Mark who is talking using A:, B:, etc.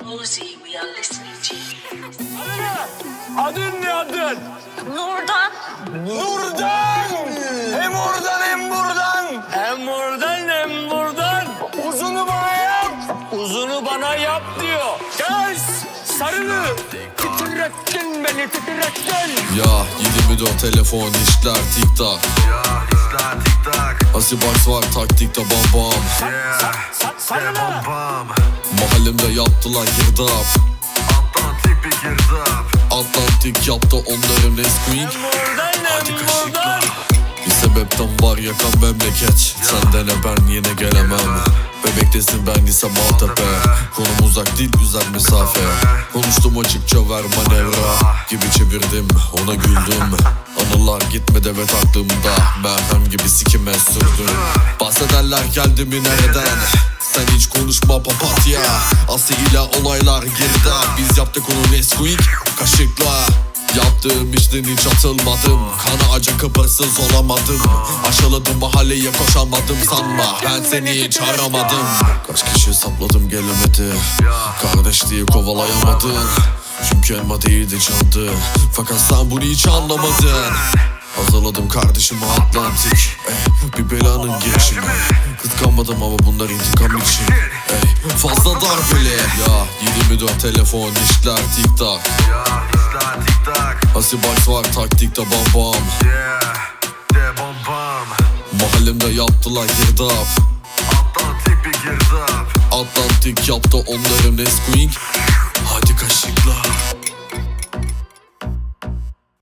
A: Uzi, we are listening to you.
B: Adın ne adın?
C: Nurdan.
B: Nurdan! Hem oradan hem buradan. Hem oradan hem buradan. Uzunu bana yap. Uzunu bana yap diyor. Gel sarılı. Titrettin beni titrettin.
D: Ya 24 telefon işler tik tak.
E: Ya işler tik tak.
D: Asibox var taktikte bam bam.
E: Yeah, bam bam.
D: Mahallemde yaptılar girdap.
E: Atlantik bir girdap.
D: Atlantik yaptı onların Nesquik.
B: Buradan hem buradan.
D: Bir sebepten var yakan memleket. Senden ben yine gelemem. Bebektesin ben ise Maltepe. Konum uzak değil güzel mesafe. Konuştum açıkça ver manevra. Gibi çevirdim ona güldüm. Anılar gitmedi evet aklımda. Merhem gibi sikime sürdüm. Bahsederler geldi mi nereden? Sen hiç konuşma papatya. Aslı ile olaylar geride. Biz yaptık onu Nesquik kaşıkla. Yaptığım işten hiç atılmadım. Kana acı kıpırsız olamadım. Aşıladım mahalleye koşamadım sanma. Ben seni hiç aramadım. Kaç kişi sapladım gelemedi. Kardeş diye kovalayamadın. Çünkü elma değildi candı. Fakat sen bunu hiç anlamadın. Hazırladım kardeşimi Atlantik. Bir belanın girişimi. Kıskanmadım ama bunlar intikam için. Fazla darbeli. Ya 24 telefon işler tik tak.
E: Ya işler tik tak.
D: Asibox var taktikte bam bam.
E: Yeah, de bam bam.
D: Mahallemde yaptılar girdap.
E: Atlantik bir girdap.
D: Atlantik yaptı onların Nesquik. Hadi kaşıkla.